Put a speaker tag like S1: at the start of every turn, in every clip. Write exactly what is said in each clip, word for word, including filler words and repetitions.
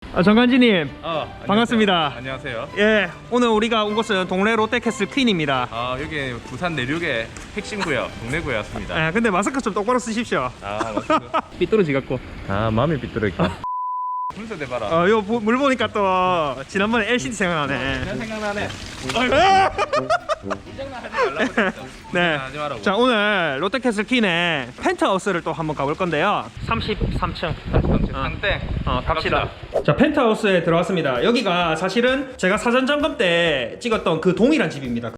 S1: 아, 정관지님.
S2: 어,
S1: 반갑습니다.
S2: 안녕하세요.
S1: 예, 오늘 우리가 온 곳은 동래 롯데캐슬 퀸입니다.
S2: 아, 여기 부산 내륙의 핵심 구역, 동래 구역이었습니다.
S1: 예, 근데 마스크 좀 똑바로 쓰십시오.
S2: 아, 맞습니다.
S1: 삐뚤어지 갖고.
S2: 아, 마음이 삐뚤어있다. 순서 대봐라.
S1: 어, 요 물 보니까 또 지난번에 엘시디 생각나네.
S2: 그냥 생각나네.
S1: 아!
S2: 이장난 하지 말라고 진짜.
S1: 네.
S2: 하지 말라고.
S1: 자, 오늘 롯데캐슬 퀸의 펜트하우스를 또 한번 가볼 건데요. 삼십삼 층.
S2: 상땡.
S1: 어, 갑시다. 자, 펜트하우스에 들어왔습니다. 여기가 사실은 제가 사전 점검 때 찍었던 그 동일한 집입니다.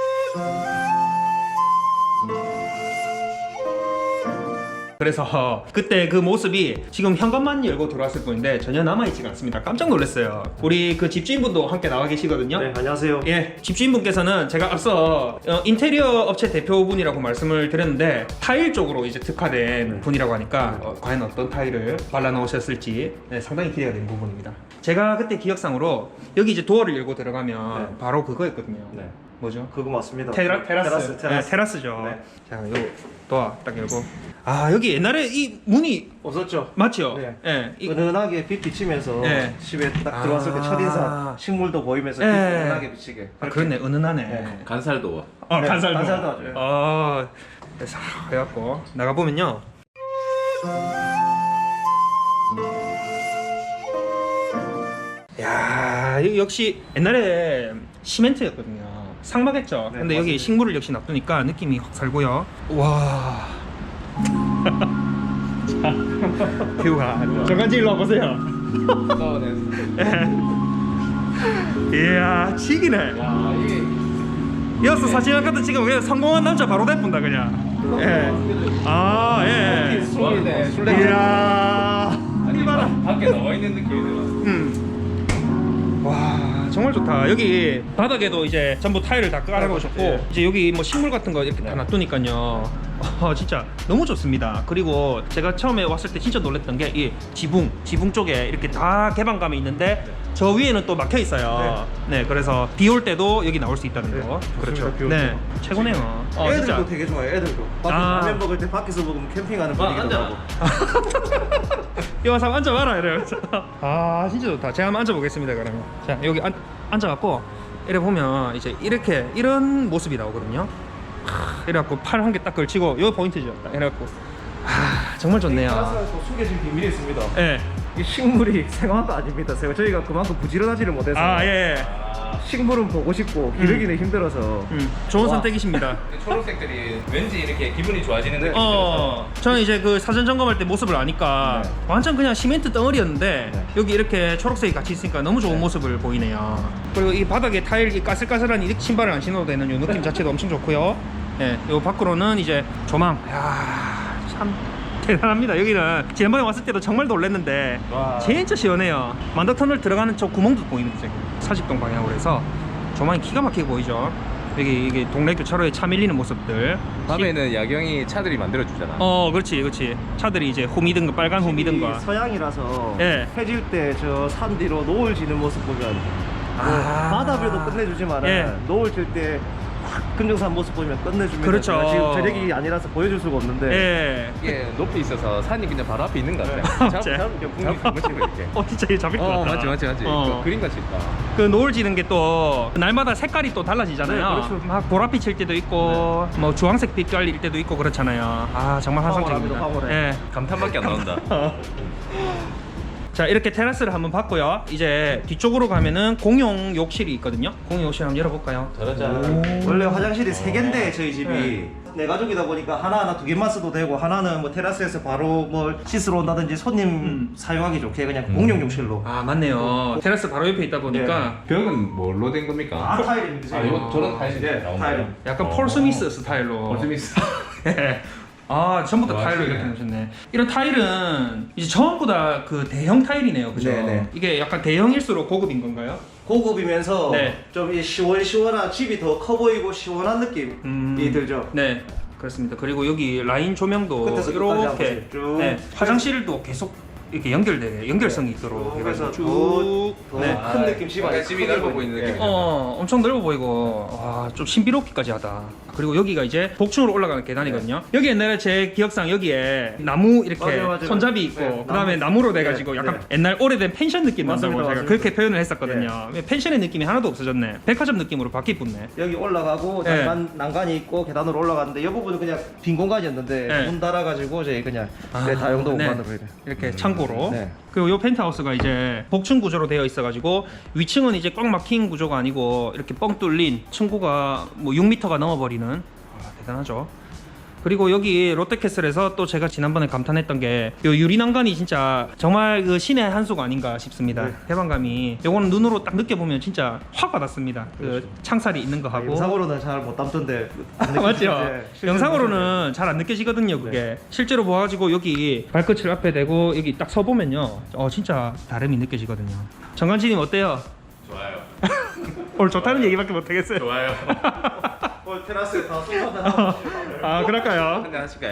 S1: 그래서 그때 그 모습이 지금 현관만 열고 들어왔을 뿐인데 전혀 남아있지가 않습니다. 깜짝 놀랐어요. 우리 그 집주인분도 함께 나와 계시거든요.
S3: 네, 안녕하세요.
S1: 예, 집주인분께서는 제가 앞서 어, 인테리어 업체 대표분이라고 말씀을 드렸는데 타일 쪽으로 이제 특화된
S3: 네.
S1: 분이라고 하니까 어, 과연 어떤 타일을 발라 놓으셨을지 네, 상당히 기대가 되는 부분입니다. 제가 그때 기억상으로 여기 이제 도어를 열고 들어가면
S3: 네.
S1: 바로 그거였거든요.
S3: 네,
S1: 뭐죠?
S3: 그거 맞습니다.
S1: 테라, 테라스.
S3: 테라스, 테라스.
S1: 네, 테라스죠.
S3: 네.
S1: 자, 요 도어 딱 열고. 아, 여기 옛날에 이 문이
S3: 없었죠?
S1: 맞죠?
S3: 네.
S1: 예. 이-
S3: 은은하게 빛 비치면서
S1: 네.
S3: 집에 딱
S1: 아.
S3: 들어왔을 때 첫인상 식물도 보이면서
S1: 네.
S3: 빛 은은하게 비치게.
S1: 아, 그렇네. 은은하네.
S3: 네.
S2: 간살도.
S1: 어,
S3: 네,
S1: 간살도.
S3: 간살도 아주.
S1: 어, 그래서 해갖고 나가 보면요. 야, 이거 역시 옛날에 시멘트였거든요. 상막했죠.
S3: 네,
S1: 근데 여기
S3: 맞습니다.
S1: 식물을 역시 놔두니까 느낌이 확 살고요. 와. 자, 뷰가 저까지 일로 와보세요. 이야, 치기네.
S2: 야, 이게
S1: 이어서 사진 한 카드 찍으면 그냥 성공한 남자 바로 대뿐다 그냥. 예. 아, 예.
S2: 술이네.
S1: 이야.
S2: 아니,
S1: 이봐라.
S2: 밖에 나와 있는 느낌이 들어.
S1: 음. 와, 정말 좋다. 여기 바닥에도 이제 전부 타일을 다 깔아놓으셨고
S3: 네.
S1: 이제 여기 뭐 식물 같은 거 이렇게 다 놔두니까요. 아, 진짜 너무 좋습니다. 그리고 제가 처음에 왔을 때 진짜 놀랐던 게 이 지붕, 지붕 쪽에 이렇게 다 개방감이 있는데 저 위에는 또 막혀 있어요. 네, 그래서 비 올 때도 여기 나올 수 있다는
S3: 네,
S1: 거.
S3: 좋습니다.
S1: 그렇죠.
S3: 비 올
S1: 네,
S3: 때도.
S1: 최고네요. 어,
S3: 애들도
S1: 진짜.
S3: 되게 좋아요. 애들도. 밖에
S1: 아.
S3: 라면 먹을 때 밖에서 먹으면 캠핑하는
S2: 아,
S3: 분위기도
S2: 앉아.
S3: 나고.
S1: 이 와서 앉아봐라 이러면서. 아, 진짜 좋다. 제가 한번 앉아보겠습니다. 그러면 자, 여기 앉, 앉아갖고 이래 보면 이제 이렇게 이런 모습이 나오거든요. 하, 이래갖고 팔 한 개 딱 걸치고 요 포인트죠. 딱 이래갖고 아, 정말 좋네요.
S3: 테라스에서 숨겨진 비밀이 있습니다.
S1: 예.
S3: 이 식물이 생화가 아닙니다. 제가 저희가 그만큼 부지런하지를 못해서
S1: 아, 예.
S3: 식물은 보고 싶고 기르기는 힘들어서
S1: 음, 좋은
S2: 와.
S1: 선택이십니다.
S2: 초록색들이 왠지 이렇게 기분이 좋아지는 느낌이
S1: 어, 저는 이제 그 사전 점검할 때 모습을 아니까
S3: 네.
S1: 완전 그냥 시멘트 덩어리였는데
S3: 네.
S1: 여기 이렇게 초록색이 같이 있으니까 너무 좋은
S3: 네.
S1: 모습을 보이네요. 그리고 이 바닥에 타일 이 까슬까슬한 이 신발을 안 신어도 되는 이 느낌 자체도 엄청 좋고요. 예, 요 밖으로는 이제 조망. 야, 참 대단합니다. 여기는 지난번에 왔을 때도 정말 놀랐는데
S3: 와.
S1: 진짜 시원해요. 만덕터널 들어가는 저 구멍도 보이는데 지금 사십동 방향으로 해서 조망이 기가 막히게 보이죠. 여기 이게 동래 교차로에 차 밀리는 모습들.
S2: 밤에는 야경이 차들이 만들어주잖아.
S1: 어, 그렇지, 그렇지. 차들이 이제 호미등과 빨간 호미등과.
S3: 집이 서양이라서
S1: 예.
S3: 해질 때 저 산 뒤로 노을 지는 모습 보면 뭐
S1: 아.
S3: 바다뷰도 끝내주지만
S1: 예.
S3: 은 노을 질 때 금정산 모습 보면 끝내줍니다.
S1: 그렇죠.
S3: 제가 지금 저녁이 아니라서 보여줄 수가 없는데
S1: 예.
S2: 이게 높이 있어서 산이 그냥 바로 앞에 있는 것
S1: 네.
S2: 같아.
S1: 진짜?
S2: 잡으면 그냥 풍기 그렇지 이렇게.
S1: 어, 진짜 이거 잡힐 것
S2: 어,
S1: 같다.
S2: 맞지, 맞지, 맞지.
S1: 어.
S2: 그 그림같이 있다.
S1: 그 노을 지는 게 또 날마다 색깔이 또 달라지잖아요.
S3: 네, 그렇죠.
S1: 막 보랏빛일 때도 있고, 뭐 주황색 빛깔일 때도 있고 그렇잖아요. 아, 정말 환상적입니다.
S3: 황홀합니다, 황홀해.
S1: 예.
S2: 감탄밖에 안 나온다.
S1: 자, 이렇게 테라스를 한번 봤고요. 이제 뒤쪽으로 가면은 공용 욕실이 있거든요. 공용 욕실 한번 열어볼까요?
S2: 짜라잔.
S3: 원래 화장실이 세 개인데 저희 집이
S1: 네.
S3: 네 가족이다 보니까 하나하나 두 개만 써도 되고 하나는 뭐 테라스에서 바로 뭐 씻으러 온다든지 손님
S1: 음.
S3: 사용하기 좋게 그냥 공용 욕실로
S1: 아, 맞네요. 테라스 바로 옆에 있다 보니까
S2: 벽은 뭘로 된 겁니까?
S3: 다 타일입니다.
S2: 아, 이거 저런 타일이
S3: 네,
S2: 나온
S3: 타일.
S2: 거예요?
S1: 약간
S2: 어.
S1: 폴 스미스 스타일로.
S2: 폴 스미스.
S1: 예. 아, 전부 다
S2: 와,
S1: 타일로
S2: 신기해.
S1: 이렇게 놓으셨네. 이런 타일은 이제 전부 다 그 대형 타일이네요, 그죠?
S3: 네네.
S1: 이게 약간 대형일수록 고급인 건가요?
S3: 고급이면서
S1: 네.
S3: 좀 이 시원시원한 집이 더 커 보이고 시원한 느낌이
S1: 음.
S3: 들죠.
S1: 네, 그렇습니다. 그리고 여기 라인 조명도
S3: 끝에서 끝까지 한
S1: 이렇게
S3: 번씩 쭉.
S1: 네, 화장실도 계속 이렇게 연결돼 연결성이 있도록
S3: 쭉 해서
S1: 해가지고 쭉. 네.
S3: 큰 느낌 집 안에
S2: 약간 집이
S3: 크게
S2: 넓어
S3: 보이는
S2: 보이는
S3: 예.
S2: 느낌.
S1: 어, 엄청 넓어 보이고 와, 좀 신비롭기까지 하다. 그리고 여기가 이제 복층으로 올라가는 계단이거든요. 여기 옛날에 제 기억상 여기에 나무 이렇게
S3: 맞아요, 맞아요.
S1: 손잡이 있고
S3: 네,
S1: 그다음에
S3: 나무.
S1: 나무로 돼가지고
S3: 네,
S1: 약간
S3: 네.
S1: 옛날 오래된 펜션 느낌 난다고
S3: 맞습니다,
S1: 제가
S3: 맞습니다.
S1: 그렇게 표현을 했었거든요. 펜션의 느낌이 하나도 없어졌네. 백화점 느낌으로 바뀌었네.
S3: 여기 올라가고
S1: 네.
S3: 난간, 난간이 있고 계단으로 올라갔는데 이 부분은 그냥 빈 공간이었는데
S1: 네.
S3: 문 닫아가지고 저희 그냥
S1: 아,
S3: 네, 다용도
S1: 네.
S3: 공간으로 이래.
S1: 이렇게 창고로.
S3: 네.
S1: 그리고 이 펜트하우스가 이제 복층 구조로 되어 있어가지고 위층은 이제 꽉 막힌 구조가 아니고 이렇게 뻥 뚫린 층고가 뭐 육 미터가 넘어버리는 아, 대단하죠. 그리고 여기 롯데캐슬에서 또 제가 지난번에 감탄했던 게 요 유리 난간이 진짜 정말 그 신의 한 수가 아닌가 싶습니다.
S3: 네.
S1: 해방감이 요거는 눈으로 딱 느껴보면 진짜 확 와닿습니다. 그 창살이 있는 거 하고
S3: 영상으로는 잘 못 담던데
S1: 맞죠?
S3: 네, 실제로
S1: 영상으로는 잘 안 느껴지거든요 그게.
S3: 네.
S1: 실제로 보아가지고 여기 발끝을 앞에 대고 여기 딱 서보면요 어 진짜 다름이 느껴지거든요. 정관진님 어때요?
S2: 좋아요.
S1: 오늘 좋다는 얘기밖에 못하겠어요.
S2: 좋아요.
S3: 어, 테라스에 다 소파들 하고
S1: 아 그럴까요?
S2: 한잔 하실까요?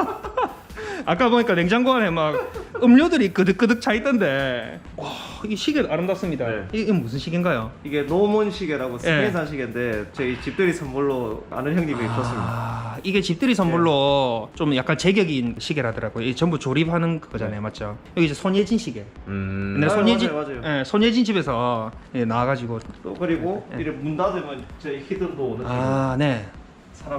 S1: 아까 보니까 냉장고 안에 막 음료들이 끄득끄득 차 있던데 와 이게 시계 아름답습니다.
S3: 네.
S1: 이게 무슨 시계인가요?
S3: 이게 노몬 시계라고
S1: 네.
S3: 스페인산 시계인데 저희 집들이 선물로 아는 형님이 줬습니다.
S1: 아, 이게 집들이 선물로 좀 약간 제격인 시계라더라고요. 이게 전부 조립하는 그거잖아요, 맞죠? 여기 이제 손예진 시계.
S2: 음.
S1: 근데
S3: 맞아요,
S1: 손예진,
S3: 맞아요, 맞아요.
S1: 예, 손예진 집에서 예, 나와가지고
S3: 또 그리고
S1: 네.
S3: 이래 문 닫으면 저희 히든도 오는
S1: 아, 네.
S3: 사람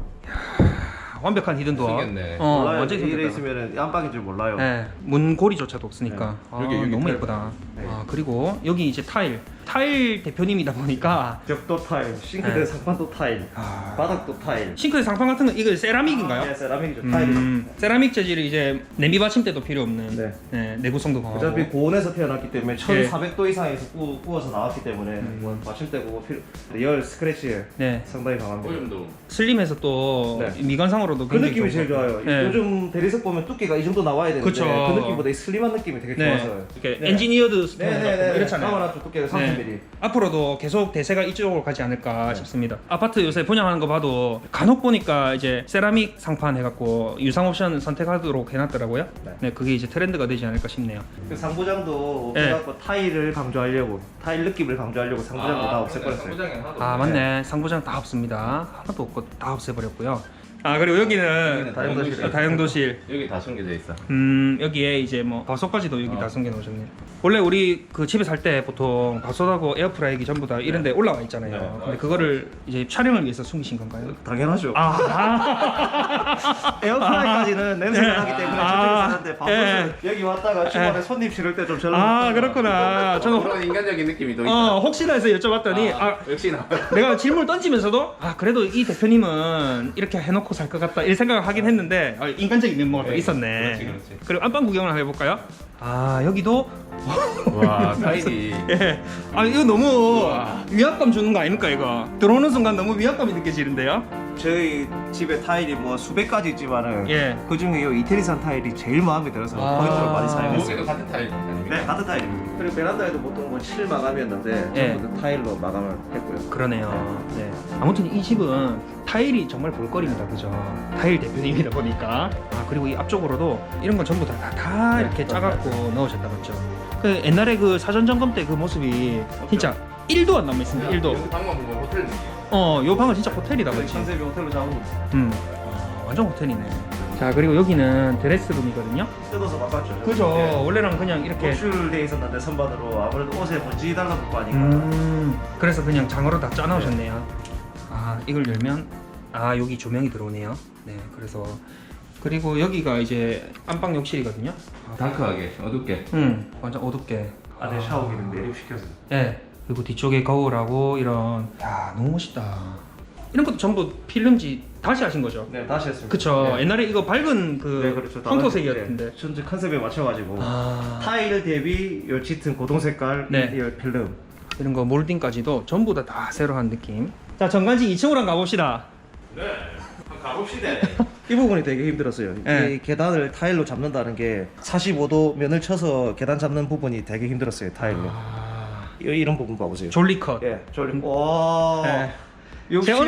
S1: 완벽한 히든 도어.
S2: 생겼네.
S1: 어,
S3: 몰라요.
S1: 완전히
S3: 이래
S1: 생겼다.
S3: 있으면 안방인 줄 몰라요.
S1: 네, 문고리조차도 없으니까. 아,
S2: 여기, 여기
S1: 너무
S2: 타일
S1: 예쁘다.
S3: 네.
S1: 아, 그리고 여기 이제 타일. 타일 대표님이다 보니까
S3: 벽도 타일, 싱크대
S1: 네.
S3: 상판도 타일,
S1: 아.
S3: 바닥도 타일.
S1: 싱크대 상판 같은 거 이거 세라믹인가요?
S3: 네, 세라믹이죠. 타일이죠.
S1: 음, 세라믹 재질이 이제 냄비 받침대도 필요 없는
S3: 네.
S1: 네, 내구성도 강하고.
S3: 어차피 고온에서 태어났기 때문에
S1: 네.
S3: 천사백 도 이상에서 구, 구워서 나왔기 때문에 뭐 받침대고 필요 열 스크래치
S1: 네.
S3: 상당히 강합니다.
S2: 오염도.
S1: 슬림해서 또
S3: 네.
S1: 미관상으로도
S3: 그
S1: 굉장히
S3: 느낌이
S1: 좋은
S3: 제일
S1: 것
S3: 좋아요.
S1: 같아요. 네.
S3: 요즘 대리석 보면 두께가 이 정도 나와야 되는데
S1: 그쵸.
S3: 그 느낌보다 이 슬림한 느낌이 되게
S1: 네.
S3: 좋아서요.
S1: 이렇게
S3: 네.
S1: 엔지니어드 스톤 같고
S3: 네네네.
S1: 이렇잖아요.
S3: 가만한 두께가 삼십 밀리미터.
S1: 네. 앞으로도 계속 대세가 이쪽으로 가지 않을까
S3: 네.
S1: 싶습니다. 아파트 요새 분양하는 거 봐도 간혹 보니까 이제 세라믹 상판 해갖고 유상 옵션 선택하도록 해놨더라고요.
S3: 네.
S1: 네, 그게 이제 트렌드가 되지 않을까 싶네요.
S3: 그 상부장도
S1: 네.
S3: 그래갖고 타일을 강조하려고 타일 느낌을 강조하려고 상부장도 다 없애버렸어요.
S2: 상부장에 하나도
S1: 아
S2: 없네.
S1: 맞네, 상부장 다 없습니다. 하나도 없고 다 없애버렸고요. 아 그리고 여기는
S3: 다용도실.
S1: 아, 다용도실.
S2: 여기 다 숨겨져 있어.
S1: 음 여기에 이제 뭐 밥솥까지도 여기
S2: 어.
S1: 다 숨겨 놓으셨네요. 원래 우리 그 집에 살 때 보통 밥솥하고 에어프라이기 전부 다 이런 데 올라와 있잖아요.
S2: 네.
S1: 근데 그거를 이제 촬영을 위해서 숨기신 건가요?
S3: 당연하죠.
S1: 아, 아.
S3: 에어프라이까지는 냄새가
S1: 네.
S3: 나기 때문에
S1: 아.
S3: 저쪽에 사는데 밥솥은
S1: 네.
S3: 여기 왔다가 주말에 손님 실을 때 좀 절로
S1: 아 그렇구나. 저는
S2: 그런 인간적인 느낌이 또 있다.
S1: 어 혹시나 해서 여쭤봤더니 아,
S2: 아, 역시나.
S1: 내가 질문을 던지면서도 아 그래도 이 대표님은 이렇게 해놓고 살 것 같다 이런 생각을 하긴 했는데 아, 인간적인 면모가 또
S2: 네,
S1: 있었네.
S2: 그렇지, 그렇지.
S1: 그리고 안방 구경을 한번 해볼까요? 아 여기도
S2: 와, 타일이.
S1: 예. 아 이거 너무 위압감 주는 거 아닙니까 이거? 들어오는 순간 너무 위압감이 느껴지는데요?
S3: 저희 집에 타일이 뭐 수백 가지 있지만은
S1: 예.
S3: 그 중에 이 이태리산 타일이 제일 마음에 들어서
S1: 아.
S3: 포인트로 많이 사용했어요.
S2: 여기도 같은 타일 아닙니까?
S3: 네, 같은 타일입니다. 그리고 베란다에도 보통 뭐 칠 마감이었는데
S1: 예.
S3: 전부 다 타일로 마감을 했고요.
S1: 그러네요. 네. 아무튼 이 집은 타일이 정말 볼거리입니다, 그죠? 타일 대표님이다 보니까. 아 그리고 이 앞쪽으로도 이런 건 전부 다, 다, 다
S3: 네,
S1: 이렇게
S3: 맞아요.
S1: 짜갖고 넣으셨다 맞죠? 그 옛날에 그 사전 점검 때 그 모습이 진짜 일도 안 남아 있습니다. 일도.
S2: 여기 방만 보면 호텔 느낌.
S1: 어, 요 방은 진짜 호텔이다,
S3: 저희
S1: 그렇지?
S3: 컨셉이 호텔로 잡은 거
S1: 음, 아, 완전 호텔이네. 자 그리고 여기는 드레스룸이거든요.
S3: 뜯어서 바꿨죠.
S1: 그죠?
S3: 예.
S1: 원래는 그냥 이렇게.
S3: 노출돼 있었는데 선반으로 아무래도 옷에 먼지 달라붙고 하니까
S1: 음, 그래서 그냥 장어로 다 짜놓으셨네요. 아, 이걸 열면 아 여기 조명이 들어오네요. 네, 그래서 그리고 여기가 이제 안방 욕실이거든요.
S2: 다크하게, 어둡게.
S1: 음, 완전 어둡게.
S3: 안에 샤워기는 매립시켜서.
S1: 네, 그리고 뒤쪽에 거울하고 이런. 야, 너무 멋있다. 이런 것도 전부 필름지 다시 하신 거죠?
S3: 네, 다시 했습니다.
S1: 그쵸.
S3: 네.
S1: 옛날에 이거 밝은 그
S3: 네, 그렇죠.
S1: 황토색이었는데.
S3: 네, 전체 컨셉에 맞춰가지고
S1: 아,
S3: 타일 대비 요 짙은 고동 색깔
S1: 네.
S3: 이 필름.
S1: 이런 거 몰딩까지도 전부 다, 다 새로 한 느낌. 자, 정관지 이 층으로 한번 가봅시다.
S2: 네, 한번 가봅시다.
S3: 이 부분이 되게 힘들었어요.
S1: 네.
S3: 이 계단을 타일로 잡는다는 게 사십오 도 면을 쳐서 계단 잡는 부분이 되게 힘들었어요. 타일로.
S1: 아,
S3: 이- 이런 부분 봐보세요.
S1: 졸리컷.
S3: 예, 졸리. 와.
S1: 네.
S3: 역시
S1: 제가 오늘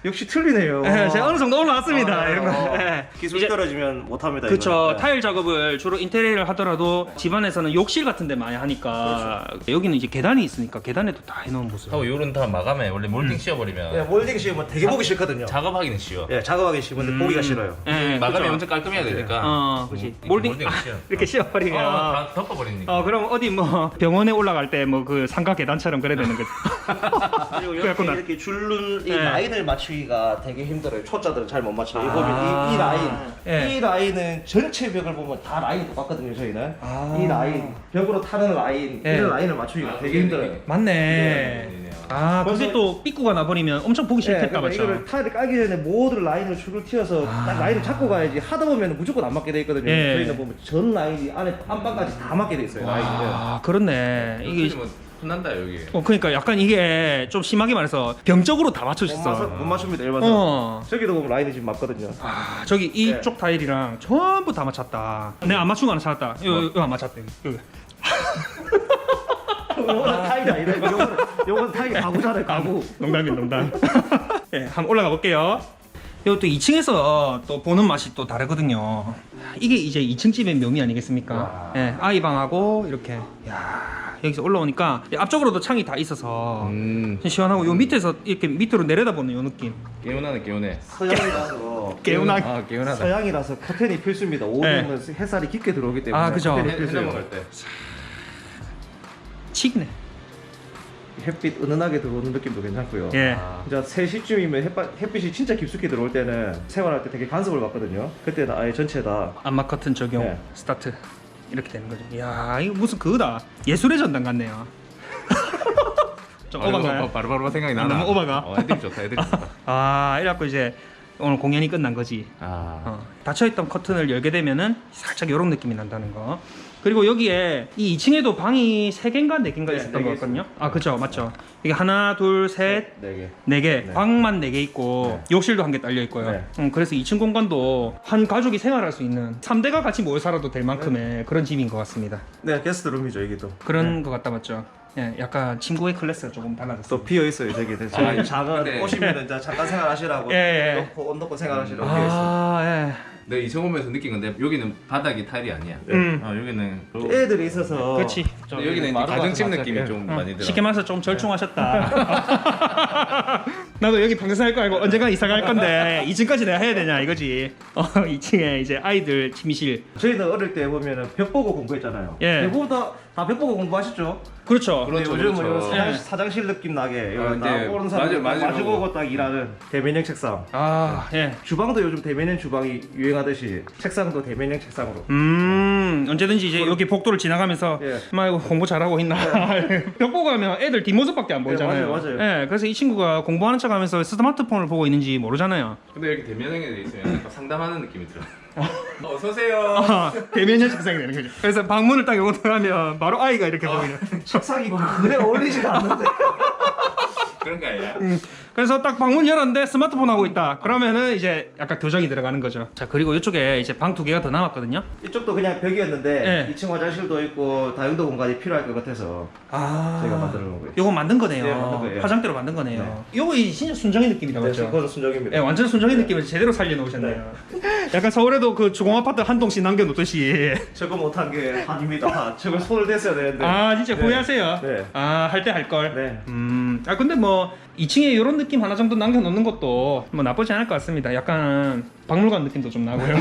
S3: 역시 틀리네요.
S1: 예, 제가 어느 정도 올라왔습니다.
S3: 아,
S1: 이런 거.
S3: 어.
S1: 예.
S3: 기술
S1: 이제-
S3: 떨어지면 못합니다.
S1: 그쵸.
S3: 이거는. 네.
S1: 타일 작업을 주로 인테리어를 하더라도 집안에서는 욕실 같은 데 많이 하니까 여기는 이제 계단이 있으니까 계단에도 다 해놓은 모습.
S2: 하고 요런 다 마감해. 원래 몰딩 씌워버리면
S3: 예, 몰딩 씌우면 되게 보기 싫거든요.
S2: 작업하기는 쉬워.
S3: 예, 작업하기 싫은데
S1: 음.
S3: 보기가 싫어요.
S1: 예,
S2: 마감이
S1: 그쵸.
S2: 엄청 깔끔해야 되니까.
S1: 어, 그렇지.
S2: 음,
S1: 몰딩
S2: 몰딩
S1: 아,
S2: 쉬워.
S1: 이렇게 씌워버리면
S2: 어, 다 덮어버리니까.
S1: 어 그럼 어디 뭐 병원에 올라갈 때 뭐 그 상가 계단처럼 그래야 되는 거지.
S3: 그리고 이렇게,
S1: 그랬구나.
S3: 이렇게 줄눈 이
S1: 네.
S3: 라인을 맞추기가 되게 힘들어요. 초짜들은 잘 못 맞춰요. 이
S1: 아.
S3: 보면 이, 이 라인,
S1: 예.
S3: 이 라인은 전체 벽을 보면 다 라인이 똑같거든요. 저희는
S1: 아.
S3: 이 라인, 벽으로 타는 라인,
S1: 예.
S3: 이런 라인을 맞추기가
S2: 아,
S3: 되게
S2: 그게
S3: 힘들어요.
S2: 되게-
S1: 맞네.
S2: 네.
S1: 아 그게
S3: 벌써-
S1: 또 삐꾸가 나버리면 엄청 보기
S3: 예,
S1: 싫겠다,
S3: 그러니까
S1: 맞죠?
S3: 이거를 타일을 깔기 전에 모든 라인을 줄을 튀어서
S1: 아.
S3: 딱 라인을 잡고 가야지. 하다 보면 무조건 안 맞게 돼 있거든요.
S1: 예.
S3: 저희는 보면 전 라인이 안에 안방까지 다 맞게 돼 있어요. 라인이.
S1: 아 그렇네. 이게
S2: 이게 뭐 혼난다 여기.
S1: 어 그러니까 약간 이게 좀 심하게 말해서 병적으로 다
S3: 못, 맞,
S1: 맞춰졌어.
S3: 못 맞춥니다. 일반적으로.
S1: 어.
S3: 저기도 보면 라인이 지금 맞거든요.
S1: 아 저기 이쪽
S3: 네.
S1: 타일이랑 전부 다 맞췄다. 내가 안 맞춘 거 하나 찾았다. 이거, 이거 안 맞췄대. 이거.
S3: 요거는 타일이 아니라 요거는, 요거는 타일이 가구잖아요. 가구.
S1: 농담이야 농담. 예, 한번 올라가 볼게요. 이것도 이 층에서 또 보는 맛이 또 다르거든요. 이게 이제 이 층 집의 묘미 아니겠습니까? 예, 아이 방하고 이렇게. 야, 여기서 올라오니까 앞쪽으로도 창이 다 있어서
S2: 음.
S1: 시원하고 요 밑에서 이렇게 밑으로 내려다보는 요 느낌.
S2: 개운하네 개운해.
S3: 서양이라서
S1: 개운하게.
S2: 아 개운하다.
S3: 서양이라서 커튼이 필수입니다. 오면은 햇살이 깊게 들어오기 때문에
S1: 아, 그죠.
S3: 커튼이
S2: 해
S3: 필수예요.
S2: 먹을 때.
S1: 치네.
S3: 햇빛 은은하게 들어오는 느낌도 괜찮고요.
S1: 예.
S2: 아.
S3: 이제 세 시쯤이면 햇바, 햇빛이 진짜 깊숙이 들어올 때는 생활할 때 되게 간섭을 받거든요. 그때는 아예 전체 다
S1: 안마 커튼 적용
S3: 네.
S1: 스타트 이렇게 되는 거죠. 이야 이거 무슨 그거다. 예술의 전당 같네요. 좀 오반가요?
S2: 바로바로 생각이 나나.
S1: 너무 오바가?
S2: 어, 애들이 좋다 애들이 좋다.
S1: 아 이래갖고 이제 오늘 공연이 끝난 거지.
S2: 아.
S1: 어, 닫혀있던 커튼을 열게 되면은 살짝 이런 느낌이 난다는 거. 그리고 여기에 이 이 층에도 방이 세 개인가 네 개인가
S3: 네,
S1: 있었던
S3: 네
S1: 것
S3: 개
S1: 같거든요. 아 그죠 맞죠. 이게 하나 둘 셋
S3: 네 개.
S1: 네 개,
S3: 네.
S1: 방만 네 개 있고 욕실도 한 개 딸려 있고요.
S3: 네.
S1: 음, 그래서 이 층 공간도 한 가족이 생활할 수 있는 삼 대가 같이 모여 살아도 될 만큼의 그런 집인 것 같습니다.
S3: 네, 게스트룸이죠 여기도.
S1: 그런 것 같다 맞죠? 예, 약간 친구의 클래스가 조금 달라졌어.
S3: 또 비어 있어요 저기. 저기
S2: 아,
S3: 작은
S2: 네.
S3: 오시면은 이제 잠깐 생활하시라고
S1: 예, 예.
S3: 놓고 옷 놓고 생활하시라고 비어 있어요.
S1: 아, 예.
S2: 내가 이층 오면서 느낀 건데 여기는 바닥이 타일이 아니야.
S1: 음.
S2: 어 여기는 그-
S3: 애들이 있어서.
S1: 그렇지.
S2: 근데 여기는 이제
S3: 마루가
S2: 가정집
S3: 좀
S2: 느낌이
S3: 맞아요.
S2: 좀
S1: 어,
S2: 많이 들어.
S1: 쉽게 말해서 좀 절충하셨다. 나도 여기 평생 할 거 알고 언젠가 이사 갈 건데 이 층까지 내가 해야 되냐 이거지. 어, 이 층에 이제 아이들 침실.
S3: 저희는 어릴 때 보면은 벽 보고 공부했잖아요.
S1: 예.
S3: 대부분 다벽 보고 공부하셨죠?
S1: 그렇죠.
S2: 그렇죠,
S3: 근데 요즘은
S2: 그렇죠.
S3: 요 사장,
S1: 예.
S3: 사장실 느낌 나게
S2: 아,
S3: 나
S2: 네.
S3: 오는 사람
S2: 맞아요, 맞아요.
S3: 마주보고 딱 일하는 대면형 책상.
S1: 아, 예.
S3: 주방도 요즘 대면형 주방이 유행하듯이 책상도 대면형 책상으로.
S1: 음, 언제든지 이제 여기 복도를 지나가면서
S3: 예.
S1: 막 이거 공부 잘하고 있나. 벽 보고 하면 애들 뒷모습밖에 안 보이잖아요.
S3: 예, 맞아요, 맞아요.
S1: 예, 그래서 이 친구가 공부하는 척 하면서 스마트폰을 보고 있는지 모르잖아요.
S2: 근데 여기 대면형에 돼 있으면 약간 상담하는 느낌이 들어. 어서 오세요.
S1: 아, 대면형 책상이 되는 거죠. 그래서 방문을 딱 열고 들어가면 바로 아이가 이렇게 보이는.
S3: 책상이 그래 어울리지가 않는데.
S2: 그런 거 아니야?
S1: 음, 그래서 딱 방문 열었는데 스마트폰 하고 있다. 그러면은 이제 약간 교정이 들어가는 거죠. 자 그리고 이쪽에 이제 방 두 개가 더 남았거든요.
S3: 이쪽도 그냥 벽이었는데
S1: 예.
S3: 이 층 화장실도 있고 다용도 공간이 필요할 것 같아서
S1: 아,
S3: 저희가 만들어 놓은 거예요.
S1: 요거 만든 거네요.
S3: 네, 만든 거예요.
S1: 화장대로 만든 거네요. 요거 이 진짜 순정의 느낌이다
S3: 네,
S1: 맞죠?
S3: 그건 순정입니다.
S1: 예, 완전 순정의 느낌을 제대로 살려놓으셨네요. 약간 서울에도 그 주공 아파트 한 동씩 남겨놓듯이.
S3: 저거 못한 게 한입니다. 저걸 손을 댔어야 되는데.
S1: 아 진짜
S3: 네.
S1: 후회하세요?
S3: 네.
S1: 아 할 때 할 걸.
S3: 네.
S1: 음, 아 근데 뭐 이 층에 이런 느낌 하나 정도 남겨놓는 것도 뭐 나쁘지 않을 것 같습니다. 약간 박물관 느낌도 좀 나고요.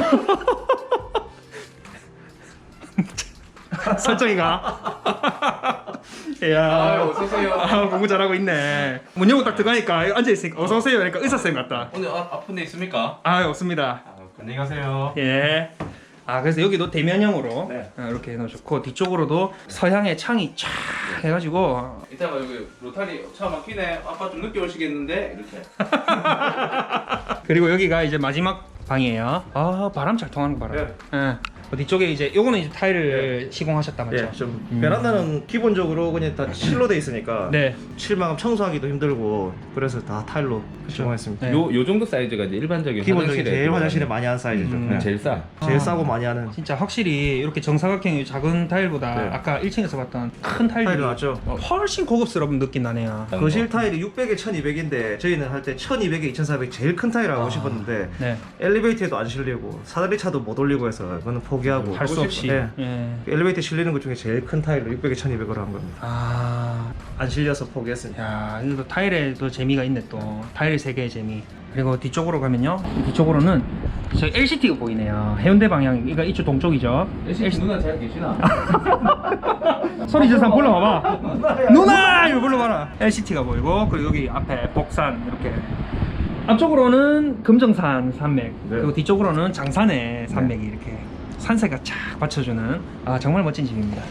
S1: 설정이가. 이야.
S2: 아, 어서 오세요.
S1: 아, 공부 잘하고 있네. 문 열고 딱 들어가니까 앉아 있으니까 어서 오세요. 그러니까 의사 쌤 같다.
S2: 오늘 아, 아픈 데 있습니까?
S1: 아 없습니다.
S2: 아, 안녕히 가세요.
S1: 예. 아 그래서 여기도 대면형으로
S3: 네.
S1: 아, 이렇게 해놓으셨고 뒤쪽으로도 서양의 창이 쫙 해가지고
S2: 이따가 여기 로타리 차 막히네. 아빠 좀 늦게 오시겠는데 이렇게.
S1: 그리고 여기가 이제 마지막 방이에요. 아 바람 잘 통하는 거 봐라.
S3: 네.
S1: 예. 그 뒤쪽에 이제 요거는 이제 타일을 시공하셨다 맞죠?
S3: 예, 좀
S1: 음.
S3: 베란다는 기본적으로 그냥 다 실로 돼 있으니까
S1: 네.
S3: 칠망 청소하기도 힘들고 그래서 다 타일로 시공했습니다.
S1: 네.
S2: 요, 요 정도 사이즈가 이제 일반적인
S3: 기본적인
S2: 화장실에
S3: 제일
S2: 들어가는
S3: 화장실에 많이 하는 사이즈죠.
S1: 음,
S3: 네.
S2: 제일 싸.
S3: 제일
S1: 아.
S3: 싸고 많이 하는
S1: 진짜 확실히 이렇게 정사각형의 작은 타일보다
S3: 네.
S1: 아까 일 층에서 봤던 큰 타일이
S3: 타일이 낫죠.
S1: 어, 훨씬 고급스러운 느낌 나네요.
S3: 거실 타일이 육백에 천이백인데 저희는 할 때 천이백에 이천사백 제일 큰 타일 하고
S1: 아.
S3: 싶었는데
S1: 네.
S3: 엘리베이터에도 안 실리고 사다리 차도 못 올리고 해서 그거는 포기하고
S1: 할 수 없이.
S3: 네.
S1: 예.
S3: 엘리베이터 실리는 것 중에 제일 큰 타일로 육백에 천이백으로 한 겁니다.
S1: 아,
S3: 안 실려서 포기했습니다.
S1: 야, 이거 타일에 또 재미가 있네 또. 타일 세 개의 재미. 그리고 뒤쪽으로 가면요. 뒤쪽으로는 저 엘시티가 보이네요. 해운대 방향. 이거 이쪽 동쪽이죠.
S2: 엘시티 누나 잘 계시나?
S1: 소리 지어서 한번 불러봐봐. 누나! 이거 불러봐라. 엘시티가 보이고 그리고 여기 앞에 복산 이렇게. 앞쪽으로는 금정산 산맥 그리고 뒤쪽으로는 장산의 산맥이 이렇게 산세가 쫙 받쳐주는 아 정말 멋진 집입니다.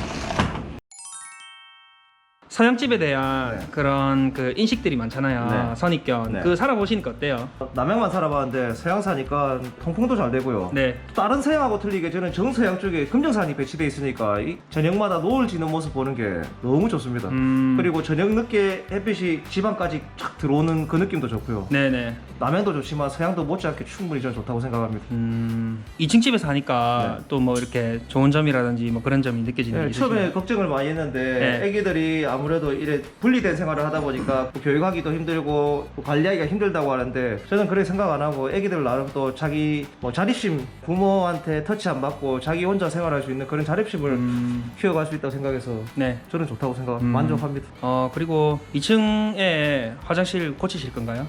S1: 서양집에 대한
S3: 네.
S1: 그런 그 인식들이 많잖아요.
S3: 네.
S1: 선입견.
S3: 네.
S1: 그 살아보시니까 어때요?
S3: 남양만 살아봤는데 서양 사니까 통풍도 잘 되고요.
S1: 네.
S3: 다른 서양하고 틀리게 저는 정서양 쪽에 금정산이 배치돼 있으니까 이 저녁마다 노을 지는 모습 보는 게 너무 좋습니다.
S1: 음.
S3: 그리고 저녁 늦게 햇빛이 지방까지 쫙 들어오는 그 느낌도 좋고요.
S1: 네네.
S3: 남양도 좋지만 서양도 못지않게 충분히 저는 좋다고 생각합니다.
S1: 음. 이 층 집에서 하니까 또 뭐 이렇게 좋은 점이라든지 뭐 그런 점이 느껴지는 게
S3: 네,
S1: 있으신가요?
S3: 처음에 걱정을 많이 했는데
S1: 네.
S3: 애기들이 아무래도 이래 분리된 생활을 하다 보니까 뭐 교육하기도 힘들고 또 관리하기가 힘들다고 하는데 저는 그렇게 생각 안 하고 애기들 나름 또 자기 뭐 자립심 부모한테 터치 안 받고 자기 혼자 생활할 수 있는 그런 자립심을
S1: 음.
S3: 키워갈 수 있다고 생각해서
S1: 네.
S3: 저는 좋다고 생각합니다.
S1: 음.
S3: 만족합니다.
S1: 어 그리고 이 층에 화장실 고치실 건가요?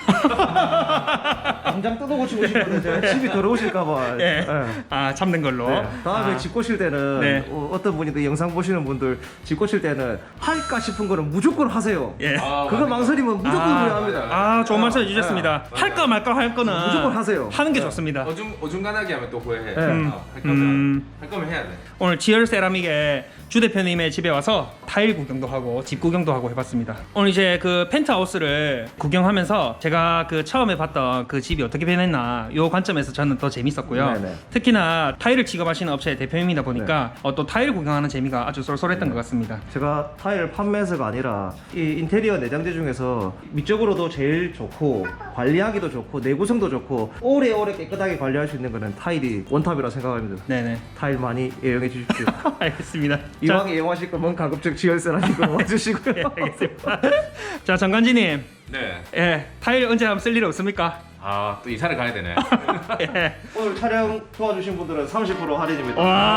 S3: 당장 뜯어 고치고 싶은데 제가 집이 더러우실까봐.
S1: 예. 아 참는 걸로.
S3: 네. 다음에
S1: 아.
S3: 집 고칠 때는
S1: 네.
S3: 어, 어떤 분이 또 영상 보시는 분들 집 고칠 때는 할까 싶은 거는 무조건 하세요.
S1: 예.
S2: 아,
S3: 그거
S2: 맞아.
S3: 망설이면 무조건
S1: 아,
S3: 후회합니다.
S1: 아 좋은 말씀
S3: 네.
S1: 해주셨습니다.
S2: 네.
S1: 할까 말까 할 거는
S3: 무조건 하세요.
S1: 하는 게
S3: 네.
S1: 좋습니다.
S2: 어중, 어중간하게 하면 또 후회해.
S3: 네.
S2: 어, 할 거면
S1: 음.
S2: 할 거면 해야 돼.
S1: 오늘 지열 세라믹의 주 대표님의 집에 와서 타일 구경도 하고 집 구경도 하고 해봤습니다. 오늘 이제 그 펜트하우스를 구경하면서 제가 그 처음에 봤던 그 집이 어떻게 변했나 요 관점에서 저는 더 재밌었고요.
S3: 네네.
S1: 특히나 타일을 취급하시는 업체의 대표님이다 보니까 어, 또 타일 구경하는 재미가 아주 쏠쏠했던 것 같습니다.
S3: 제가 타일 판매해서가 아니라 이 인테리어 내장재 중에서 미적으로도 제일 좋고 관리하기도 좋고 내구성도 좋고 오래오래 깨끗하게 관리할 수 있는 거는 타일이 원탑이라 생각합니다.
S1: 네네.
S3: 타일 많이 애용해 주십시오.
S1: 알겠습니다.
S3: 이왕 애용하실 거면 가급적 지열세라니까 와주시고요.
S1: 자, 예, 알겠습니다. 자, 정관지님,
S2: 네.
S1: 예, 타일 언제 한번 쓸 일 없습니까?
S2: 아, 또 이사를 가야 되네.
S1: 예.
S3: 오늘 촬영 도와주신 분들은 삼십 퍼센트 할인입니다.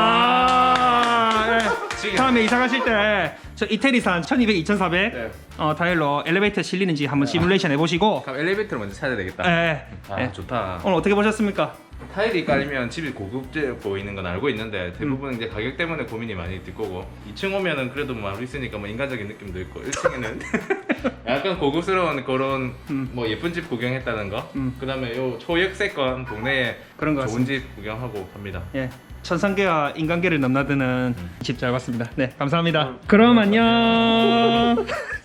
S1: 와, 예.
S2: 지금.
S1: 다음에 이사 가실 때 저 이태리산 천이백, 이천사백
S3: 네.
S1: 어, 타일로 엘리베이터 실리는지 한번 시뮬레이션 해보시고,
S2: 그럼 엘리베이터를 먼저 찾아야 되겠다.
S1: 예.
S2: 아,
S1: 예.
S2: 좋다.
S1: 오늘 어떻게 보셨습니까?
S2: 타일이 깔리면 집이 고급져 보이는 건 알고 있는데 대부분
S1: 음.
S2: 이제 가격 때문에 고민이 많이 될 거고 이 층 오면은 그래도 뭐 있으니까 뭐 인간적인 느낌도 있고 일 층에는 약간 고급스러운 그런
S1: 음.
S2: 뭐 예쁜 집 구경했다는 거
S1: 음.
S2: 그다음에 요 초역세권 동네에
S1: 그런 것
S2: 좋은 집 구경하고 갑니다.
S1: 예. 천상계와 인간계를 넘나드는 집 잘 봤습니다. 네, 감사합니다.
S3: 어,
S1: 그럼 안녕.